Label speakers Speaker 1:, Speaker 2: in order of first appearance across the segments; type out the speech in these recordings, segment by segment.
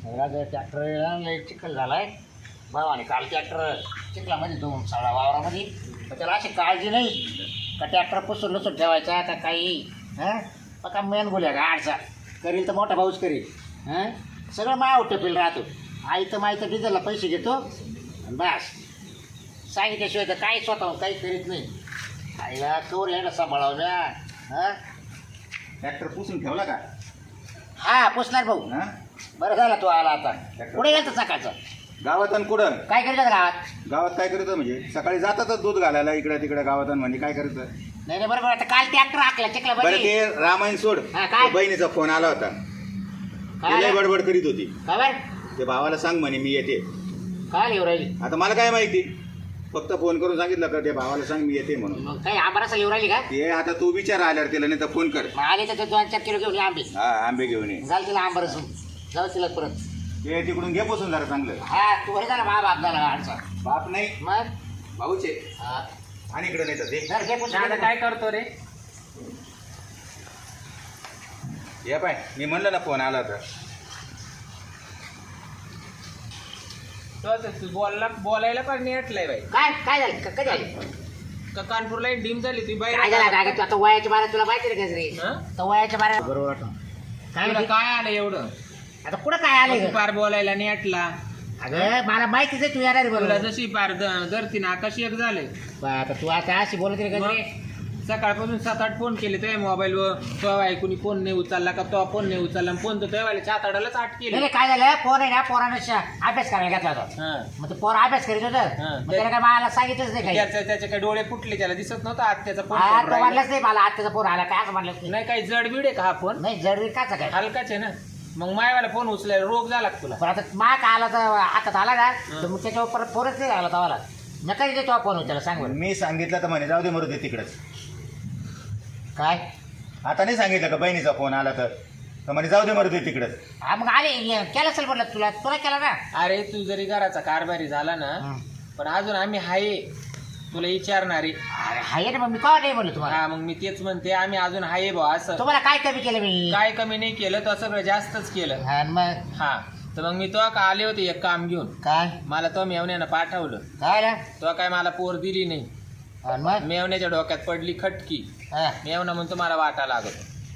Speaker 1: Tractor चिखल झालाय भावाने काल ट्रॅक्टर चिखलामध्ये दोन साडा वावरामध्ये तर त्याला अशी काळजी नाही का ट्रॅक्टर पुसून लसून ठेवायचा का काही हां का मेन बोल्या का आडचा करील तर मोठा भाऊच करील हां सगळं माया टपेल राहतो आई तर माई तर डिझेलला पैसे घेतो आणि बस सांगितल्याशिवाय तर काही स्वतः काही करीत नाही आईला कवर यायला सांभाळावं ना हां
Speaker 2: ट्रॅक्टर पुसून ठेवला का?
Speaker 1: हा पुसणार भाऊ
Speaker 2: हा
Speaker 1: बरं झाला तू आला आता पुढे गेलं सकाळचं
Speaker 2: गावात आणि कुठं
Speaker 1: काय करायचं गावात
Speaker 2: गावात काय करतं म्हणजे सकाळी जातातच दूध घालायला इकडे तिकडे गावात म्हणजे काय करतं?
Speaker 1: नाही नाही बरोबर आता काल ट्रॅक्टर हाकला चिखला
Speaker 2: बरं ते रामायण सोड.
Speaker 1: हा, काय?
Speaker 2: ते बहिणीचा फोन आला होता.
Speaker 1: काय
Speaker 2: लय बडबड करीत होती.
Speaker 1: खबर
Speaker 2: ते भावाला सांग म्हणे मी येते.
Speaker 1: काय येऊ राहिली
Speaker 2: आता मला काय माहिती फक्त फोन करून सांगितलं का ते भावाला सांग मी येते म्हणून.
Speaker 1: मग काही आंबाराचा येऊ राहिली का
Speaker 2: ते आता तू विचार आल्यावर तिला नाही तर फोन कर.
Speaker 1: मग आले तर ते 2-4 किलो घेऊन ये आंबे
Speaker 2: हा आंबे घेऊन ये.
Speaker 1: झालं तिला आंबारस जाऊ तिला परत
Speaker 2: ते तिकडून घे पोसून जरा चांगलं.
Speaker 1: हा तू बरं झाला मा बाप झाला आडचा
Speaker 2: बाप नाही
Speaker 1: मग
Speaker 2: भाऊचे
Speaker 1: हा.
Speaker 2: आणि इकडे नाही तर ते
Speaker 1: धर, घे पुसून.
Speaker 3: दादा काय करतो रे?
Speaker 2: ये पाय मी म्हणलं ना फोन आला तर
Speaker 3: तू बोलायला पण नेटलंय बाई.
Speaker 1: काय काय झालं कधी आली
Speaker 3: का कानपूरला डीम झाली ती बाई.
Speaker 1: काय झालं काय तू आता वयाच्या बारा तुला माहिती रे गजरे
Speaker 3: हं?
Speaker 1: तर वयाच्या बारा बरोबर काय
Speaker 3: तुला
Speaker 1: म्हणते?
Speaker 3: काय आलं एवढं?
Speaker 1: आता कुठं काय आले
Speaker 3: तू पार बोलायला नेटला.
Speaker 1: अगं मला माहितीच आहे तू येणार आहे
Speaker 3: तुला
Speaker 1: बरोबर
Speaker 3: जशी पार धरती ना आकाशी एक झाले.
Speaker 1: आता तू आता अशी बोलत रे गजरे
Speaker 3: सकाळपासून 7-8 फोन केले तुझ्या मोबाईलवर. तो ऐकून फोन नाही उचलला का तो फोन नाही उचलला फोन तर तुझ्या 7-8लाच 8
Speaker 1: नाही
Speaker 3: केले.
Speaker 1: नाही, काय झालं पोर आहे ना पोरानं अभ्यास करायला घेतला होता
Speaker 3: हं.
Speaker 1: मग ते पोर अभ्यास करीत होतं
Speaker 3: हं.
Speaker 1: मग त्याला काय मला सांगितलंच नाही काही
Speaker 3: त्याचे काही डोळे फुटले त्याला दिसत नव्हता आज त्याचा
Speaker 1: हा, तो
Speaker 3: फोन.
Speaker 1: म्हणलंच नाही मला आत्याचा फोन आला काय असं म्हणलंच नाही
Speaker 3: नाही काही जडबीड आहे का हा फोन?
Speaker 1: नाही जडवीर काचा काय
Speaker 3: हलकाच आहे ना. मग मायवाला फोन उचलायला रोग झाला का तुला?
Speaker 1: पण आता मा का आला तर हातात आला ना तर मग त्याच्यावर परत फोनच नाही लागला तवाला नका तिथे तो फोन त्याला सांग बरं.
Speaker 2: मी सांगितलं तर म्हणे जाऊ दे मरू दे तिकडच.
Speaker 1: काय
Speaker 2: आता नाही सांगितलं का बहिणीचा फोन आला तर म्हणे जाऊ दे मरू दे तिकडच.
Speaker 1: हा मग आले केलं असेल म्हटलं तुला केला ना
Speaker 3: अरे तू जरी घराचा कारभारी झाला ना पण अजून आम्ही हाय तुला विचारणारे.
Speaker 1: अरे हाय ना मग मी का नाही बोललो तुम्हाला
Speaker 3: हा मग मी तेच म्हणते आम्ही अजून हाय भाऊ असं.
Speaker 1: तुम्हाला काय कमी केलं मी
Speaker 3: काय कमी नाही केलं तर सगळं जास्तच केलं.
Speaker 1: हा, मग
Speaker 3: हा तर मग मी तो का आले होते एक काम घेऊन.
Speaker 1: काय
Speaker 3: मला तो मेवण्यानं पाठवलं.
Speaker 1: काय ना
Speaker 3: तो काय मला पोर दिली नाही.
Speaker 1: आणि मग
Speaker 3: मेवण्याच्या डोक्यात पडली खटकी.
Speaker 1: हा.
Speaker 3: मेवणं म्हणतो मला वाटा लागत.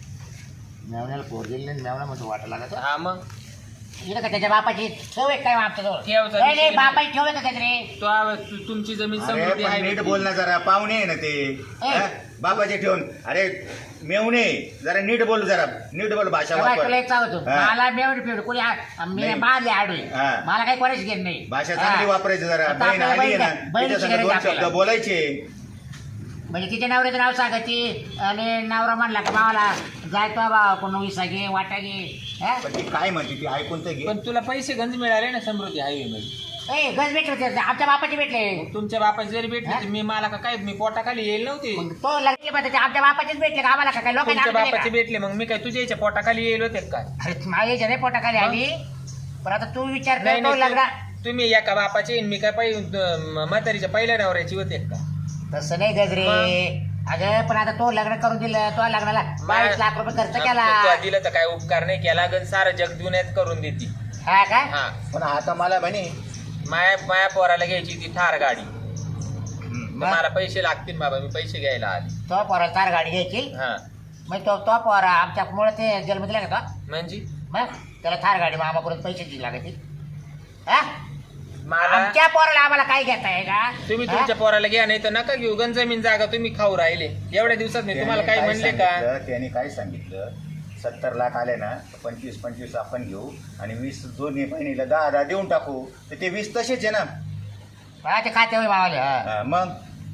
Speaker 1: मेवण्याला पोर दिली नाही मेवणा म्हणतो वाटा लागत
Speaker 3: हा मग
Speaker 1: इकडे का त्याच्या बापाची ठेव आहे काय आमच्याजवळ
Speaker 3: ठेवचा
Speaker 1: नाही नाही
Speaker 3: विषय
Speaker 1: बापाची ठेव आहे का त्याच्याकडे
Speaker 3: तुमची जमीन
Speaker 2: अरे
Speaker 3: समृद्धी
Speaker 2: पण
Speaker 3: आहे
Speaker 2: नीट
Speaker 3: बघ.
Speaker 2: बोल ना जरा पाहुणे आहे ना ते. हा? बापाचे ठेवून अरे मेवणे जरा नीट बोल जरा नीट बोल भाषा
Speaker 1: तेव्हा
Speaker 2: वापर.
Speaker 1: तुला एक सांगतो
Speaker 2: हा.
Speaker 1: मला मेवणी पिवडी कोणी मी
Speaker 2: नाही.
Speaker 1: बांधले आडवे
Speaker 2: हा.
Speaker 1: मला काही कोणाच घेत नाही
Speaker 2: भाषा
Speaker 1: हा.
Speaker 2: चांगली वापरायची जरा.
Speaker 1: आता
Speaker 2: बहीण
Speaker 1: आपल्याला
Speaker 2: आली आहे
Speaker 1: बहीण-
Speaker 2: ना
Speaker 1: बहिणीची
Speaker 2: तिच्या संग
Speaker 1: गरज
Speaker 2: 2 शब्द
Speaker 1: आपल्याला.
Speaker 2: बोलायचे.
Speaker 1: म्हणजे तिच्या नवऱ्याचं नाव सांगायची आणि नवरा म्हणला का भावाला जाय तो बा कोण विसा घे वाटा घे हा?
Speaker 2: पण ती काय म्हणते ती ऐकून तर घे.
Speaker 3: पण तुला पैसे गंज मिळाले ना समृद्धी हायवे मध्ये.
Speaker 1: ए गज भेटले होते आमच्या बापाचे भेटले
Speaker 3: तुमच्या बापाचे जरी भेटले
Speaker 1: हा?
Speaker 3: तर मी मला का काय मी पोटाखाली येईल नव्हते.
Speaker 1: मग तो लगेच म्हणते आमच्या बापाचेच भेटले का आम्हाला का काय
Speaker 3: तुमच्या
Speaker 1: लोकांना
Speaker 3: बापाचे भेटले मग मी काय तुझ्या याच्या पोटाखाली येईल होते का काय?
Speaker 1: अरे माझ्या नाही पोटाखाली आली पण आता तू विचार
Speaker 3: नाही
Speaker 1: करतो
Speaker 3: नाही,
Speaker 1: लग्न
Speaker 3: तुम्ही एका बापाचे आणि मी काय म्हातारीच्या पहिल्या नवऱ्याची होते का?
Speaker 1: तसं नाही गजरे अगं पण आता तो लग्न करून दिलं तो लग्नाला 22 लाख रुपये खर्च केला
Speaker 3: तुला दिलं तर काय उपकार नाही केला गण सारं जग दुनियात करून देते.
Speaker 1: हा काय
Speaker 3: हा
Speaker 2: पण आता मला म्हणे
Speaker 3: माया पोराला घ्यायची ती थार गाडी.
Speaker 2: हम्म.
Speaker 3: तर मला पैसे लागतील बाबा मी पैसे घ्यायला आले.
Speaker 1: तो पोरा तार गाडी घ्यायची
Speaker 3: हा
Speaker 1: मग तो पोरा आमच्या मुळे ते जन्म दिला का तो
Speaker 3: म्हणजे
Speaker 1: मग त्याला थार गाडी मामाकडून पैसे दिले लागायचे हा
Speaker 3: मला
Speaker 1: आमच्या पोराला आम्हाला काय घेता आहे का
Speaker 3: तुम्ही
Speaker 1: हा?
Speaker 3: तुमच्या पोराला घ्या नाही तर नका घेऊ गण जमीन जागा तुम्ही खाऊ राहिले एवढ्या दिवसात नाही तुम्हाला
Speaker 2: त्याने
Speaker 3: काही
Speaker 2: काय
Speaker 3: म्हणले का?
Speaker 2: सांगितलं, त्याने काय सांगितलं 70 लाख आले ना 25 आपण घेऊ आणि 20 दोन्ही बहिणीला 10 देऊन टाकू तर ते 20 तसेच आहे ना.
Speaker 1: हा, ते खाते होय मावाले हा
Speaker 2: हा, मग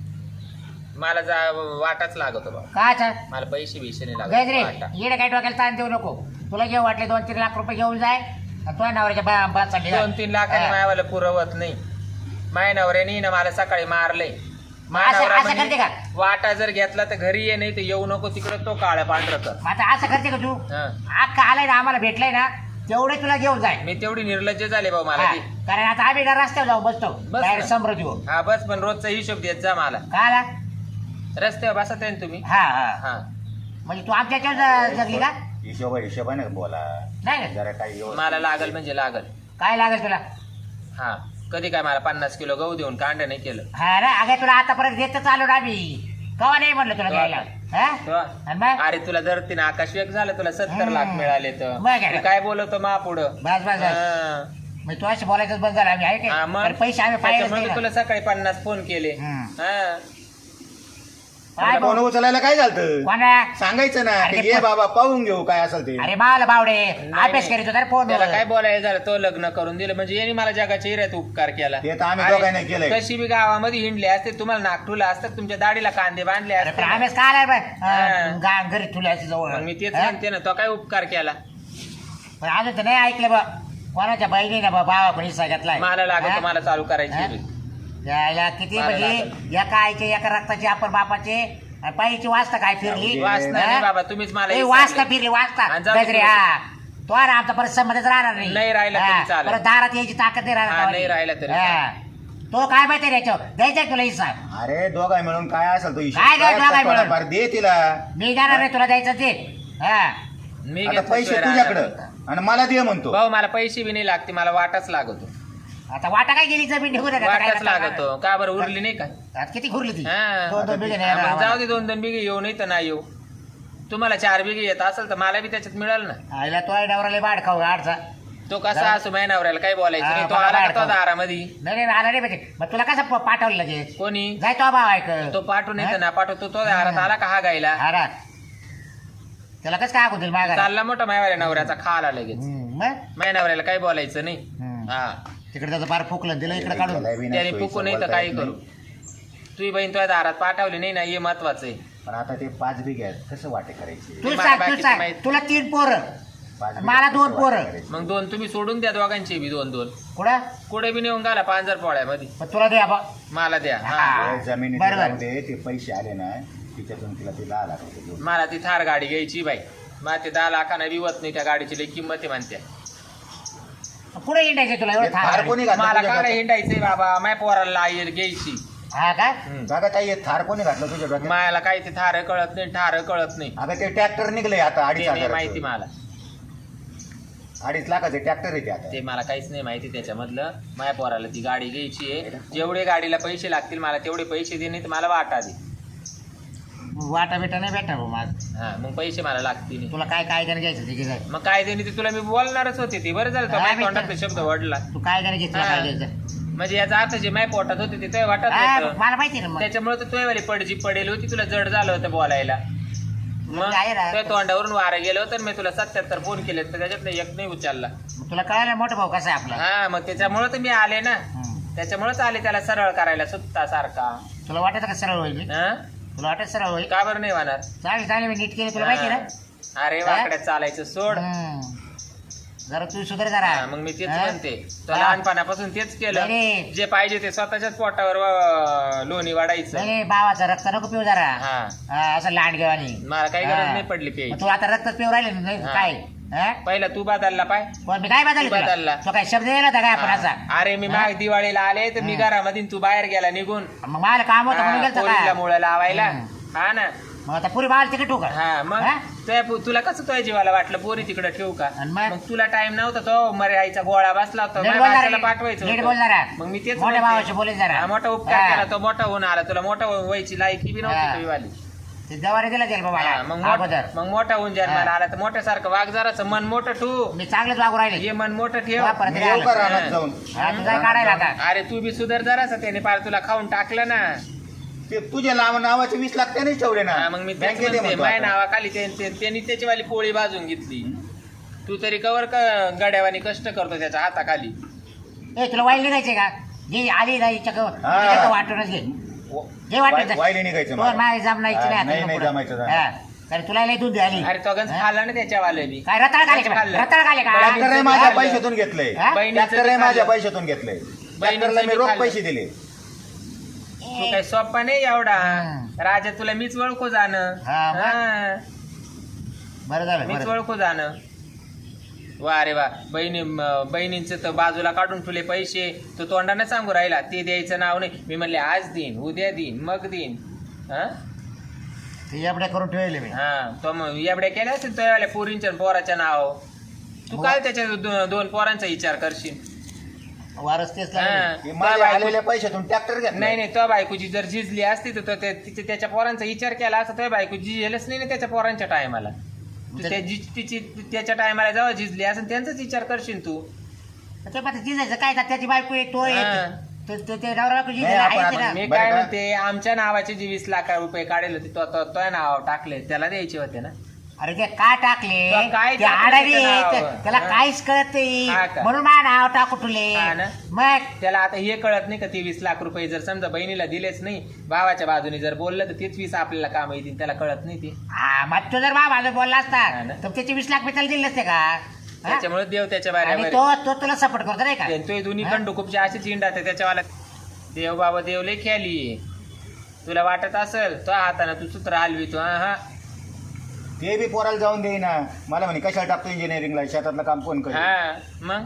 Speaker 3: मला वाटाच लागत बाबा.
Speaker 1: काचा
Speaker 3: मला पैसे बिशे नाही
Speaker 1: गजरे
Speaker 3: लागत वाटा.
Speaker 1: येडे काय डोक्याला ताण देऊ नको तुला घेऊ वाटले 2-3 लाख रुपये घेऊन जाय आणि तुझ्या नवऱ्याच्या बात चालली
Speaker 3: 2-3 लाखाने मायावाला पुरवत नाही. माय नवऱ्याने ना मला सकाळी मारलंय. माय
Speaker 1: असं-
Speaker 3: नवरा
Speaker 1: असं
Speaker 3: म्हणे,
Speaker 1: करते का?
Speaker 3: वाटा जर घेतला तर घरी ये नाही तर येऊ नको तिकडे तो काळ्या पांढर कर.
Speaker 1: आता असं करते का तू
Speaker 3: हा.
Speaker 1: अख्खा आलाय ना आम्हाला भेटलाय ना तेवढे तुला घेऊन जाय
Speaker 3: मी तेवढी निर्लज्ज झाले भाऊ मला
Speaker 1: हा,
Speaker 3: ती.
Speaker 1: कारण आता आम्ही ना रस्त्यावर जाऊ बसतो
Speaker 3: बस
Speaker 1: बाहेर
Speaker 3: ना.
Speaker 1: समृद्धी हो
Speaker 3: हा बस पण रोजचा हिशोब देत जा मला.
Speaker 1: का आला
Speaker 3: रस्त्यावर बसत आहे ना तुम्ही.
Speaker 1: हा हा
Speaker 3: हा
Speaker 1: म्हणजे तू आमच्या याच्यावर जगली का
Speaker 2: हिशोबाने बोला
Speaker 1: नाही
Speaker 2: जरा काही व्यवस्थित.
Speaker 3: मला लागल म्हणजे लागल.
Speaker 1: काय लागेल तुला?
Speaker 3: हा कधी काय मला 50 किलो गहू देऊन कांड नाही केलं.
Speaker 1: हा ना अगं तुला आतापर्यंत देतच आलो ना आम्ही. कवा नाही म्हणलं तुला द्यायला हा?
Speaker 3: तो-
Speaker 1: आणि मग
Speaker 3: अरे तुला जर तिने आकाश वेग झालं तुला 70 लाख मिळाले तर
Speaker 1: मग काय?
Speaker 3: तू काय बोलवतो मा पुढं.
Speaker 1: बस बस बस मग तू अशी बोलायचंच बंद झालं आम्ही आहे
Speaker 3: हा,
Speaker 1: काय
Speaker 3: मग?
Speaker 1: अरे पैसे आम्ही पाहिजे
Speaker 3: त्याच्यामुळे मी तुला सकाळी 50 फोन केले.
Speaker 1: हम्म.
Speaker 3: हा
Speaker 2: फोन उचलायला काय झालं
Speaker 1: कोणा
Speaker 2: सांगायचं ना
Speaker 1: अरे
Speaker 2: की ये बाबा पाहून घेऊ काय असेल ते.
Speaker 1: अरे माल बावडे अभ्यास
Speaker 3: नाही.
Speaker 1: करीत होता फोन
Speaker 3: त्याला काय बोलायचं झालं तो लग्न करून दिलं म्हणजे यांनी मला जगाच्या हिऱ्यात उपकार केला.
Speaker 2: ते तर आम्ही
Speaker 3: अरे,
Speaker 2: दोघांनी केलंय.
Speaker 3: कशी बी गावामध्ये हिंडले असते तुम्हाला नागठुला असतात तुमच्या दाढीला कांदे बांधले
Speaker 1: अरे
Speaker 3: असते
Speaker 1: पण
Speaker 3: ना.
Speaker 1: आम्हीच काय आलाय
Speaker 3: हा.
Speaker 1: बाय घरी तुला अशी जवळ
Speaker 3: मग मी तेच
Speaker 1: हा?
Speaker 3: म्हणते ना तो काय उपकार केला.
Speaker 1: पण अजून तर नाही ऐकलं बा कोणाच्या बहिणीने बा भावा पण हिस्सा घेतलाय
Speaker 3: मला लागत
Speaker 1: हा?
Speaker 3: मला चालू करायची
Speaker 1: हा?
Speaker 3: बी.
Speaker 1: यायला किती
Speaker 3: मला
Speaker 1: म्हणजे
Speaker 3: लागलं.
Speaker 1: एका आईचे एका रक्ताचे आपण बापाचे आणि पायीची वाचता काय फिरली
Speaker 3: वाचना
Speaker 1: हा?
Speaker 3: नाही बाबा तुम्हीच मला
Speaker 1: ए,
Speaker 3: हे
Speaker 1: वाचता
Speaker 3: सांगले.
Speaker 1: फिरली वाचता
Speaker 3: आणि जाऊ दे
Speaker 1: गजरे
Speaker 3: पुढे.
Speaker 1: हा तो ना आमचा परत संबंधच राहणार नाही
Speaker 3: नाही राहिला तरी
Speaker 1: हा,
Speaker 3: चालेल.
Speaker 1: परत दारात यायची ताकद नाही
Speaker 3: हा,
Speaker 1: राहणार
Speaker 3: नाही राहिला तरी
Speaker 1: हा. तो काय माहिती याच्यावर द्यायचा तुला हिस्सा
Speaker 2: अरे दोघाय मिळून काय असेल तो हिशोब
Speaker 1: काय काय
Speaker 2: काय
Speaker 1: दोघाय मिळून?
Speaker 2: थोडाफार दे तिला.
Speaker 1: मी जाणार नाही तुला द्यायचं ते हा
Speaker 3: मी
Speaker 2: आता
Speaker 3: घेतलं
Speaker 2: पैसे
Speaker 3: शिवाय
Speaker 2: तुझ्याकडं
Speaker 3: राहणार.
Speaker 2: आणि मला दे म्हणतो.
Speaker 3: भाऊ मला पैसे बी नाही लागते मला वाटाच लागतो.
Speaker 1: आता वाटा काय गेली जमीन निघून आता काय
Speaker 3: वाटाच
Speaker 1: करणार?
Speaker 3: लागतो का बरं उरली नाही का.
Speaker 1: आता किती घुरली ती
Speaker 3: हा.
Speaker 1: 2-2 बिघे
Speaker 3: हा, मग जाऊ दे 2-2 बिघे येऊ नाही तर नाही येऊ. तुम्हाला 4 बिघे येत असेल तर मला बी त्याच्यात मिळेल ना.
Speaker 1: आईला तो नवराला बाड खाऊ आडचा
Speaker 3: तो कसा असू माझ्या नवऱ्याला काय बोलायचं
Speaker 1: हा,
Speaker 3: नाही. तो
Speaker 1: बघा
Speaker 3: आला
Speaker 1: बाहेर
Speaker 3: का तो
Speaker 1: खाऊ.
Speaker 3: दारामध्ये
Speaker 1: नाही आला नाही पाहिजे मग तुला कसं पाठवलं लगेच
Speaker 3: कोणी
Speaker 1: जाय तो भाव ऐक
Speaker 3: तो पाठवून येतं ना पाठवतो तो दारात आला का हा गायला
Speaker 1: हा त्याला कसं काय अगोदर मागा
Speaker 3: चालला मोठा माझ्या नवऱ्याचा खाला लगेच.
Speaker 1: मग
Speaker 3: माझ्या नवऱ्याला काही बोलायचं नाही.
Speaker 1: हम्म.
Speaker 3: हा
Speaker 1: तिकडे त्याचं फार फुकलं दिलं इकडे काढून
Speaker 2: त्याला बी नाही
Speaker 3: त्याने
Speaker 2: सोयीचं
Speaker 3: फुकू नाही तर
Speaker 2: बोलता
Speaker 3: काही
Speaker 2: येत
Speaker 3: करू.
Speaker 2: नाही.
Speaker 3: तुझी बहीण तुझ्या दारात पाठवली नाही ना हे महत्वाचं आहे.
Speaker 2: पण आता ते 5 बिघे आहेत कसं वाटे करायचे?
Speaker 1: तू
Speaker 3: मला
Speaker 1: सांग तू
Speaker 3: बाकीचं
Speaker 1: सांग
Speaker 3: माहित-
Speaker 1: तुला 3 पोरं
Speaker 2: 5 बिघे
Speaker 1: मला
Speaker 2: कसं
Speaker 1: 2
Speaker 2: वाटे
Speaker 1: पोरं
Speaker 2: करायचे?
Speaker 3: मग 2 तुम्ही सोडून द्या दोघांची बी 2-2
Speaker 1: कुठं
Speaker 3: कुठे बी नेऊन घाला 5,000 पोळ्यामध्ये
Speaker 1: पण तुला द्या बा
Speaker 3: मला द्या. हा
Speaker 1: हा.
Speaker 2: ते जमिनीत
Speaker 1: बरोबर.
Speaker 2: जाऊ दे ते पैसे आले ना तिच्यातून तिला ते 10 लाख रुपये देऊन.
Speaker 3: मला ती थार गाडी घ्यायची बाई. मला ते 10 लाखांना विवत नाही त्या गाडीची लई किंमत आहे म्हणते.
Speaker 1: पुढे इंडायचं तुला
Speaker 2: हे
Speaker 1: एवढं
Speaker 2: थार
Speaker 1: थांब
Speaker 2: कोणी घातलं
Speaker 3: मला
Speaker 2: तुझ्या
Speaker 3: काय
Speaker 2: डोक्यात?
Speaker 3: हिंडायचंय बाबा माय पोराला आई घ्यायची.
Speaker 1: हा का
Speaker 2: जागा ताई हे थार कोणी घातलं तुझ्या डोक्यात?
Speaker 3: मायाला काही ते थार कळत नाही ठार कळत नाही.
Speaker 2: अगं ते ट्रॅक्टर निघले आता 2.5
Speaker 3: ते नाही माहिती
Speaker 2: लाखाचं.
Speaker 3: मला.
Speaker 2: 2.5 लाखाचे ट्रॅक्टर येते आता.
Speaker 3: ते मला काहीच नाही माहिती त्याच्यामधलं. माझ्या पोराला ती गाडी घ्यायची आहे. जेवढे गाडीला पैसे लागतील मला तेवढे पैसे दे नाही तर मला वाटा दे.
Speaker 1: वाटा बेटा नाही भेटा भाऊ माझ
Speaker 3: हा मग पैसे मला लागतील.
Speaker 1: तुला काय काय त्याने घ्यायचं ते घे जाय.
Speaker 3: मग काय देणे ते तुला मी बोलणारच होते ते बरं झालं तो
Speaker 1: हा,
Speaker 3: माझ्या
Speaker 1: मी
Speaker 3: तोंडातले
Speaker 1: तर-
Speaker 3: शब्द वडला.
Speaker 1: तू काय त्याने घेतलं
Speaker 3: हा.
Speaker 1: काय घ्यायचं
Speaker 3: म्हणजे याचा अर्थ जे माझ्या पोटात होते ते तुझ्या वाटत
Speaker 1: हा,
Speaker 3: होतं.
Speaker 1: मला माहिती ना मग
Speaker 3: त्याच्यामुळे तर तुझ्यावाली पडजी पडेल होती तुला जड झालं होतं बोलायला. मग
Speaker 1: आहे ना.
Speaker 3: तुझ्या तोंडावरून वारं गेलं होतं मी तुला 77 फोन केले तर त्याच्यातलं एक नाही उचलला.
Speaker 1: मग तुला कळालं मोठं भाऊ कसा आहे आपला
Speaker 3: हा मग त्याच्यामुळे तर मी आले ना.
Speaker 1: हम्म.
Speaker 3: त्याच्यामुळेच आले त्याला सरळ करायला सुत्ता सारखा.
Speaker 1: तुला वाटत का सरळ होईल मी
Speaker 3: हा?
Speaker 1: तुला वाटत सरळ होईल
Speaker 3: का बरं नाही होणार.
Speaker 1: चालेल चालेल मी नीट केलं तुला माहिती ना
Speaker 3: हा. अरे वाकड्यात चालायचं सोड.
Speaker 1: हम्म. जरा तू सुधार जरा
Speaker 3: हा, मग मी तेच
Speaker 1: हा?
Speaker 3: म्हणते तो
Speaker 1: हा.
Speaker 3: लहानपणापासून तेच केलं.
Speaker 1: नाही.
Speaker 3: जे पाहिजे ते स्वतःच्याच पोटावर लोणी वाढायचं.
Speaker 1: नाही भावाचं रक्त नको पिऊ जरा
Speaker 3: हा
Speaker 1: हा, असं लांड घेवानी
Speaker 3: मला काही गरज नाही पडली पे.
Speaker 1: तू आता रक्त पिऊ राहिले ना नाही
Speaker 3: हा.
Speaker 1: काय हा?
Speaker 3: पहिला तू बदलला पाय.
Speaker 1: कोण मी काय
Speaker 3: तू
Speaker 1: बदललं
Speaker 3: बदलला.
Speaker 1: तो काय शब्द दिला होता काय आपण असा
Speaker 3: हा. अरे मी
Speaker 1: हा?
Speaker 3: माग दिवाळीला आले तर मी
Speaker 1: हा.
Speaker 3: घरामध्ये तू बाहेर गेला निघून.
Speaker 1: मग मला काम होतं म्हणून गेलतो
Speaker 3: पोरीला
Speaker 1: का
Speaker 3: मुळे लावायला.
Speaker 1: हम्म.
Speaker 3: हा ना.
Speaker 1: मग आता पुरी बाळ तिकडे ठेवू का
Speaker 3: हा मग
Speaker 1: हा?
Speaker 3: तुला कसं तुझ्या जीवाला वाटलं पोरी तिकडे ठेवू का.
Speaker 1: आणि मग?
Speaker 3: मग तुला टाइम नव्हता तो मरे आईचा गोळा बसला होता
Speaker 1: नीट
Speaker 3: माझ्या
Speaker 1: बोल
Speaker 3: माणसाला
Speaker 1: जरा,
Speaker 3: पाठवायचं
Speaker 1: नीट
Speaker 3: होतं.
Speaker 1: बोल जरा.
Speaker 3: मग मी तेच
Speaker 1: मोठ्या
Speaker 3: म्हणते.
Speaker 1: भावाशी बोलेल जरा.
Speaker 3: हा, मोठा उपकार
Speaker 1: हा.
Speaker 3: केला तो मोठा होऊन आला तुला मोठा व्हायची लायकी बी
Speaker 1: हा.
Speaker 3: नव्हती तुझीवाली.
Speaker 1: ते जवारी दिला त्याला
Speaker 3: हा,
Speaker 1: बाबा
Speaker 3: मग
Speaker 1: अगोदर
Speaker 3: मग मोठा होऊन जन्माला
Speaker 1: हा.
Speaker 3: आला तर मोठ्यासारखं वाघ जराचं मन मोठं ठेवू.
Speaker 1: मी चांगलंच वागू राहिले
Speaker 3: हे मन मोठं ठेव.
Speaker 1: वा, परत
Speaker 2: मी येऊ का रानात
Speaker 3: हा.
Speaker 2: जाऊन?
Speaker 1: हा, तू काय काढायला आता
Speaker 3: अरे तू बी सुधार जरासा त्याने पार तुला खाऊन टाकलं ना.
Speaker 2: ते तुझ्या नावाचे 20 लाख त्यानेच ठेवले ना
Speaker 3: हा, मग मी तेच
Speaker 2: बँकेत
Speaker 3: म्हणते,
Speaker 2: म्हणतो
Speaker 3: माझ्या
Speaker 2: आता.
Speaker 3: नावाखाली त्यांनी त्याचीवाली पोळी बाजून घेतली. तू तरी कवर गड्यावानी कष्ट करतो त्याच्या हाताखाली.
Speaker 1: ए तुला वाईल निघायचे का जे आली नाही
Speaker 2: हा.
Speaker 1: वाटूनच घे जे वाटून
Speaker 2: वायली निघायचं मला.
Speaker 1: माझी जमनायची
Speaker 2: हा,
Speaker 1: नाही
Speaker 2: नाही,
Speaker 1: आता
Speaker 2: नाही
Speaker 1: पुढं.
Speaker 2: जमायचं जरा.
Speaker 1: हा. कारण तुला लय दूध आली
Speaker 3: अरे तो गंज खाल्ला ना त्याच्यावाले बी.
Speaker 1: काय रताळ खाले का
Speaker 3: खाल्लं.
Speaker 1: रताळ खाले का
Speaker 2: ट्रॅक्टर आहे माझ्या पैशातून घेतलंय
Speaker 1: हा?
Speaker 3: बहिणीचं
Speaker 2: ट्रॅक्टर आहे
Speaker 3: बी
Speaker 2: माझ्या
Speaker 3: खाल्लं.
Speaker 2: पैशातून घेतलंय
Speaker 3: बहिणीचं
Speaker 2: ट्रॅक्टरला मी
Speaker 3: बी
Speaker 2: रोख
Speaker 3: खाल्लं.
Speaker 2: पैसे दिले.
Speaker 3: तू काही सोप्पा नाही एवढा.
Speaker 1: हम्म.
Speaker 3: राजा तुला मीच ओळखू जाणं.
Speaker 1: हा, मग?
Speaker 3: हा.
Speaker 1: बरं झालं
Speaker 3: मीच
Speaker 1: बरं.
Speaker 3: ओळखू जाणं. वा रे वा बहिणींचं तर बाजूला काढून ठेवले पैसे तो तोंडाने सांगू राहिला ते द्यायचं नाव नाही. मी म्हणले आज देईन उद्या देईन मग देईन. हा
Speaker 1: ते एवढ्या करून ठेवले मी.
Speaker 3: हा तो मग एवढ्या केल्या असेल तो पोरींच्या पोराच्या नाव तू काय त्याच्या दोन पोरांचा विचार करशील
Speaker 1: वारस तेच
Speaker 3: हा.
Speaker 1: लागले.
Speaker 2: हे माझ्या आलेल्या पैशातून ट्रॅक्टर घ्या
Speaker 3: नाही नाही तो बायकोची जर झिजली असती तर तिचे त्याच्या पोरांचा विचार केला असता तो बायको झिजेलच नाही ना त्याच्या पोरांच्या टायमाला तिची त्याच्या टायमाला जेव्हा झिजली असेल त्यांचाच विचार करशील तू
Speaker 1: ते पण जिजायचं काय का त्याची बायको आहे तो
Speaker 3: हा.
Speaker 1: आहे ते नवरा बायको
Speaker 2: नाही, आपण-
Speaker 3: मी
Speaker 2: बरं
Speaker 3: काय
Speaker 2: का?
Speaker 3: म्हणते आमच्या नावाचे जे 20 लाख रुपये काढले होते तो नाव टाकले त्याला द्यायचे होते ना
Speaker 1: अरे ते का टाकले
Speaker 3: तो काय
Speaker 1: ते
Speaker 3: टाकलं
Speaker 1: आडारी
Speaker 3: त्याचं नाव?
Speaker 1: आहे, त्याला
Speaker 3: हा.
Speaker 1: काहीच कळत नाही
Speaker 3: हा का?
Speaker 1: म्हणून माझं नाव टाकू तुले
Speaker 3: हा ना?
Speaker 1: मग
Speaker 3: त्याला आता हे कळत नाही का ते 20 लाख रुपये जर समजा बहिणीला दिलेच नाही भावाच्या बाजूने जर बोललं तर तेच 20 आपल्याला काम येतील त्याला कळत नाही ते
Speaker 1: हा मग तो जर माझा बोलला
Speaker 3: हा
Speaker 1: असता
Speaker 3: ना?
Speaker 1: तर त्याचे 20 लाख मी त्याला दिले नसते का हा?
Speaker 3: त्याच्यामुळे देव त्याच्या
Speaker 1: आणि
Speaker 3: बाऱ्यावर
Speaker 1: तो तुला सपोर्ट करतो नाही का
Speaker 3: तो दोन्ही
Speaker 1: हा?
Speaker 3: कंडू खूपशे असेच इंडात त्याच्यावाला देव बाबा देव लय खेळली तुला वाटत असेल तो हाताने तू सूत्र हलवी तू हा
Speaker 2: ते बी पोराला जाऊन देईना मला म्हणे कशाला टाकतो इंजिनिअरिंगला शेतातलं काम कोण करेल
Speaker 3: हा मग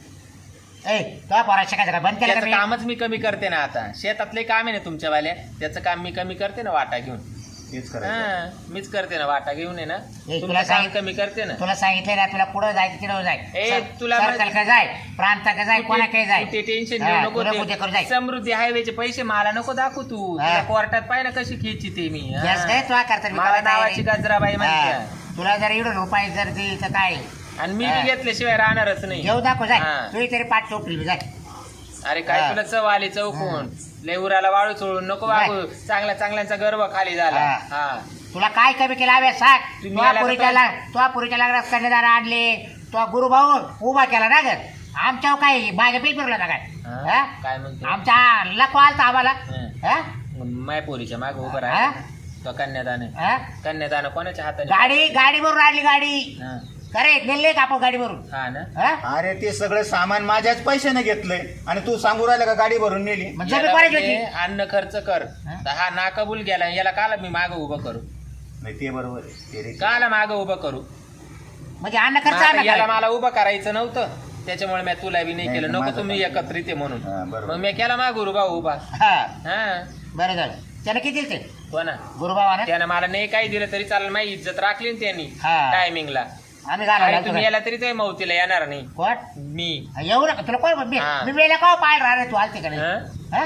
Speaker 1: ए तो पोरा शिकायचं का बंद केलं का
Speaker 3: त्याचं
Speaker 1: मी?
Speaker 3: कामच मी कमी करते ना आता शेतातले काम आहे ना तुमच्यावाल्या त्याचं काम मी कमी करते ना वाटा घेऊन
Speaker 2: तेच करायचं
Speaker 3: हा मीच करते ना वाटा घेऊन आहे ना
Speaker 1: तुला
Speaker 3: तुमचं काम
Speaker 1: सांगित-
Speaker 3: कमी करते ना
Speaker 1: तुला सांगितले ना तुला पुढे जायचं तिकडे जाय
Speaker 3: ए, तुला
Speaker 1: सर्कल का जाय प्रांत का जाय कोणा काही जाय
Speaker 3: ते टेन्शन
Speaker 1: हा,
Speaker 3: घेऊ
Speaker 1: तुला
Speaker 3: नको
Speaker 1: कुठे करू
Speaker 3: ते
Speaker 1: जाय
Speaker 3: समृद्धी हायवेचे पैसे मला नको दाखवू तू
Speaker 1: हा.
Speaker 3: तुला कोर्टात पाय ना कशी खेची ते मी हा.
Speaker 1: गॅस काय तुला करता मी
Speaker 3: मला
Speaker 1: करायचं आहे
Speaker 3: नावाची
Speaker 1: रे.
Speaker 3: गजराबाई म्हणते
Speaker 1: हा. तुला जर एवढं रुपये जर दिली तर काय
Speaker 3: आणि मी
Speaker 1: हा.
Speaker 3: बी घेतल्याशिवाय राहणारच नाही
Speaker 1: घेऊ दाखव जाय
Speaker 3: हा.
Speaker 1: तुझी तरी पाठ चोपली जाय
Speaker 3: अरे काय
Speaker 1: हा.
Speaker 3: तुला चव आली चौकून लय उराला वाळू चोळून नको
Speaker 1: नाही.
Speaker 3: वागू चांगल्या गर्व खाली झाला
Speaker 1: हा.
Speaker 3: हा
Speaker 1: तुला काय कमी केलं हवे सांग
Speaker 3: तुम्ही आला
Speaker 1: तुझ्या पुरीच्या लागला कन्यादार आणले तो गुरुभाऊ उभा केला ना ग आमच्यावर काय मागे बिल फिरला ना काय
Speaker 3: हा?
Speaker 1: हा?
Speaker 3: काय म्हणतो
Speaker 1: आमच्या लको आलता आम्हाला
Speaker 3: हा.
Speaker 1: हा?
Speaker 3: मायपोरीच्या माग उभं
Speaker 1: हा?
Speaker 3: राहा तो कन्यादान
Speaker 1: हा?
Speaker 3: कन्यादान कोणाच्या हाताने
Speaker 1: गाडी भरून आणली गाडी
Speaker 3: हा.
Speaker 1: खरे नेले का आपण गाडी भरून
Speaker 3: हा ना
Speaker 1: हा?
Speaker 2: अरे ते सगळं सामान माझ्याच पैशाने घेतलंय आणि तू सांगू राहिला का गाडी भरून नेली
Speaker 1: मग जमीन
Speaker 3: याला
Speaker 1: कोणाची
Speaker 3: म्हणे,
Speaker 1: होती
Speaker 3: अन्न खर्च कर
Speaker 1: हा?
Speaker 3: तर हा ना कबूल गेला याला काला मी माग उभं करू
Speaker 2: नाही ते बरोबर आहे ते रे.
Speaker 3: काला माग उभं करू
Speaker 1: म्हणजे अन्न खर्च
Speaker 3: मग आता
Speaker 1: आणला
Speaker 3: याला
Speaker 1: काय?
Speaker 3: मला उभं करायचं नव्हतं त्याच्यामुळे मी तुला बी नाही
Speaker 2: नाही,
Speaker 3: केलं
Speaker 2: तर
Speaker 3: नको
Speaker 2: माझं
Speaker 3: तुम्ही
Speaker 2: काय?
Speaker 3: एकत्रित आहे म्हणून
Speaker 2: हा, बरोबर.
Speaker 3: मग मी केला मा गुरुबा उभा
Speaker 1: हा
Speaker 3: हा
Speaker 1: बरं झालं त्याने किती दिले ते
Speaker 3: हो ना
Speaker 1: गुरुबाबाने
Speaker 3: त्यानं मला नाही काही दिलं तरी चालेल माझी इज्जत राखली ना त्यांनी
Speaker 1: हा.
Speaker 3: टायमिंगला
Speaker 1: आम्ही
Speaker 3: आणि
Speaker 1: घालवला
Speaker 3: तुम्ही याला तरी ते मौतीला येणार नाही
Speaker 1: कोण
Speaker 3: मी
Speaker 1: येऊ नका तुला कोण मी
Speaker 3: हा.
Speaker 1: मी वेळेला का पाहायला राहणार तू आलते का नाही
Speaker 3: हा?
Speaker 1: हा?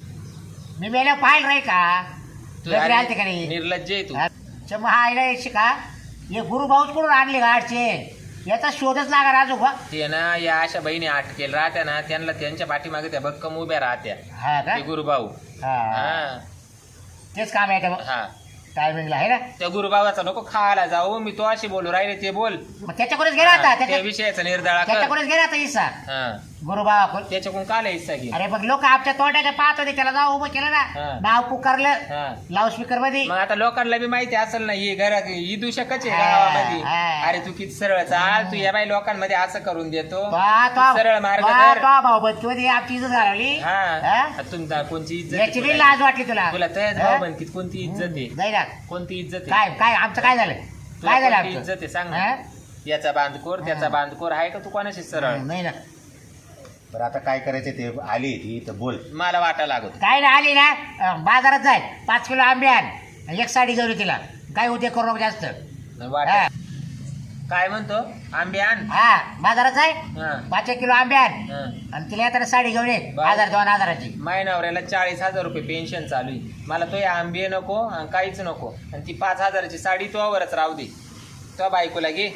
Speaker 1: मी वेळेला पाहायला राही का
Speaker 3: तू
Speaker 1: गजरे
Speaker 3: अरे
Speaker 1: आलते का नाही
Speaker 3: निर्लज्ज आहे तू
Speaker 1: अच्छा, मग हा आईला यायची का हे गुरुभाऊच कुठून आणले गाडचे याचा शोधच लागा राजू बा
Speaker 3: ते ना या अशा बहिणी अटकेल राहत्या ना त्यांना त्यांच्या पाठीमागे त्या भक्कम उभ्या राहत्या
Speaker 1: हा का
Speaker 3: ते गुरुभाऊ
Speaker 1: हा
Speaker 3: हा
Speaker 1: तेच काम आहे का
Speaker 3: हा
Speaker 1: टायमिंगला आहे ना
Speaker 3: त्या गुरुबाबाचा नको खायला जाऊ मी तो अशी बोलू राहिले ते बोल
Speaker 1: मग त्याच्याकडेच गेला आता
Speaker 3: त्या विषयाचा निर्धारा कर
Speaker 1: त्याच्याकडेच गेला आता इसा
Speaker 3: हा
Speaker 1: गुरुबाबा
Speaker 3: त्याच्याकडून काल हिस्सा घे
Speaker 1: अरे मग लोक आमच्या तोंडाच्या पाहत होते त्याला जाऊ उभं केलं ना
Speaker 3: हा.
Speaker 1: नाव पुकारलं
Speaker 3: हा
Speaker 1: लाऊडस्पीकर मध्ये
Speaker 3: मग आता लोकांना बी माहिती असेल ना ही घरात ही दूषकच आहे
Speaker 1: हा,
Speaker 3: गावामध्ये
Speaker 1: हा.
Speaker 3: अरे तू किती सरळ चाल तू या बाई लोकांमध्ये असं करून देतो
Speaker 1: तो
Speaker 3: सरळ मार्ग धर.
Speaker 1: भाऊ बनकी मध्ये आमची इज्जत घालवली
Speaker 3: हा
Speaker 1: हा?
Speaker 3: तुमचा कोणची इज्जत
Speaker 1: याची
Speaker 3: आहे
Speaker 1: बी
Speaker 3: तुला?
Speaker 1: लाज वाटली तुला
Speaker 3: तुला तयाच
Speaker 1: हा?
Speaker 3: भाऊ बनकीत कोणती इज्जत आहे
Speaker 1: जाई ना
Speaker 3: कोणती इज्जत आहे
Speaker 1: काय काय आमचं काय झालं
Speaker 3: तुला
Speaker 1: काय झालं
Speaker 3: कोणती
Speaker 1: आमचं
Speaker 3: इज्जत आहे सांग
Speaker 1: हा?
Speaker 3: ना याचा बांधकोर त्याचा बांधकोर आहे का तू कोणाशी सरळ
Speaker 1: नाही ना
Speaker 2: बरं आता काय करायचं ते आली ती तर बोल
Speaker 3: मला वाटा लागत
Speaker 1: काय ना आली ना बाजारात जाय 5 किलो आंबे आण एक साडी घेऊन ये तिला काय उद्या करू नको जास्त
Speaker 3: वाटा
Speaker 1: हा.
Speaker 3: काय म्हणतो आंबे आण
Speaker 1: हा बाजारात जाय
Speaker 3: हा
Speaker 1: 5 किलो आंबे आण
Speaker 3: हा.
Speaker 1: आणि तिला येताना साडी घेऊन ये
Speaker 3: बरं.
Speaker 1: 1000-2000ची
Speaker 3: माय नवऱ्याला 40,000 रुपये पेन्शन चालू आहे मला तो आंबे नको आणि काहीच नको आणि ती 5,000ची साडी तोवरच राहू दे तो बायकोला घे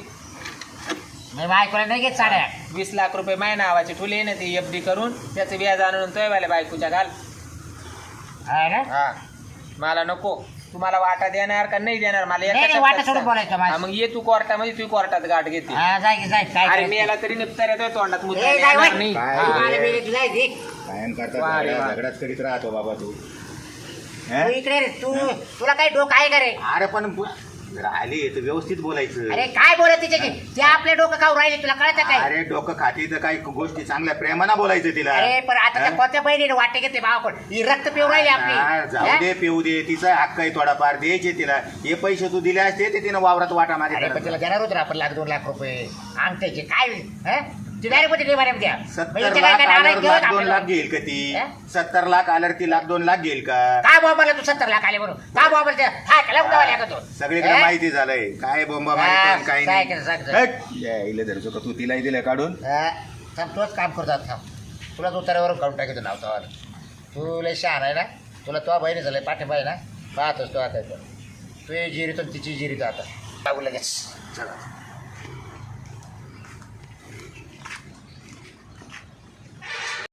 Speaker 1: मी बायकोला नाही घेत साड्या
Speaker 3: 20 लाख रुपये माय नावाचे ठुले ना ते एफडी करून त्याचं व्याज आणून तोयवाल्या बायकोच्या घाल
Speaker 1: हा ना
Speaker 3: हा मला नको तुम्हाला वाटा देणार का नाही देणार मला एका
Speaker 1: नाही,
Speaker 3: शब्दात
Speaker 1: वाटा सोडून
Speaker 3: सांग.
Speaker 1: बोलायचं माझं.
Speaker 3: हा, मग ये तू कोर्टामध्ये तू कोर्टात गाठ घेते
Speaker 1: हा जाय की जाय काय
Speaker 3: अरे
Speaker 1: करायचं?
Speaker 3: मी याला तरी निपतार येतोय तोंडात मुद्दा
Speaker 1: ए, जाय
Speaker 3: येणार
Speaker 1: वय.
Speaker 3: नाही
Speaker 2: काय?
Speaker 3: हा.
Speaker 1: तू मला वेळेत जाय घे.
Speaker 2: कायम
Speaker 3: वा रे
Speaker 2: करता
Speaker 3: वा.
Speaker 2: झगडाच करीत राहतो बाबा तू
Speaker 1: तू
Speaker 2: हं?
Speaker 1: इकडे रे, तुला काय डोकं आहे का रे
Speaker 2: अरे पण आली तर व्यवस्थित बोलायचं
Speaker 1: अरे काय बोलत तिचे की ते आपले डोकं खाऊ राहिले तुला कळतं काय
Speaker 2: अरे डोकं खाती तर काही गोष्टी चांगल्या प्रेमानं बोलायचं तिला
Speaker 1: अरे पण आता त्या
Speaker 2: हं?
Speaker 1: कोणत्या बहिणीने वाटे घेते भावाकडे ही रक्त पिऊ राहिली
Speaker 2: हा,
Speaker 1: आपली
Speaker 2: जाऊ
Speaker 1: हं?
Speaker 2: दे पिऊ दे तिचा हक्क आहे थोडाफार द्यायचे तिला हे पैसे तू दिले असते ते तिनं वावरात वाटा
Speaker 1: अरे पण
Speaker 2: माझ्या
Speaker 1: तिला देणार होतो ना आपण 1,00,000-2 लाख रुपये अंगठ्याचे काय हं? ती डायरेक्ट मध्ये निवाऱ्या द्या
Speaker 2: 70 लाख आल्यावर लाख 2 लाख घेईल का ती?
Speaker 1: हा?
Speaker 2: 70 लाख आल्यावर ती लाख 2 लाख घेईल का?
Speaker 1: काय बॉम्बाला तू 70 लाख आले म्हणून काय बॉम्बाला हा कला उठावा लागतो
Speaker 2: सगळीकडे माहिती झालंय काय बोंबा
Speaker 1: हा,
Speaker 2: माहिती काय
Speaker 1: काय
Speaker 2: नाही.
Speaker 1: केलं, सांग.
Speaker 2: हट, यायला धरतो का तू तिलाही दिलं काढून?
Speaker 1: थांब तूच काम करतो थांब तुलाच उतार्यावरून काढून टाकायचं नाव तवाला तू लय शहाण आहे ना तुला तो बहिणी झालंय पाठिंबा आहे ना पाहतोस तो आता तू जिरीतो तिची जिरीतो आता लागू लगेच
Speaker 2: चला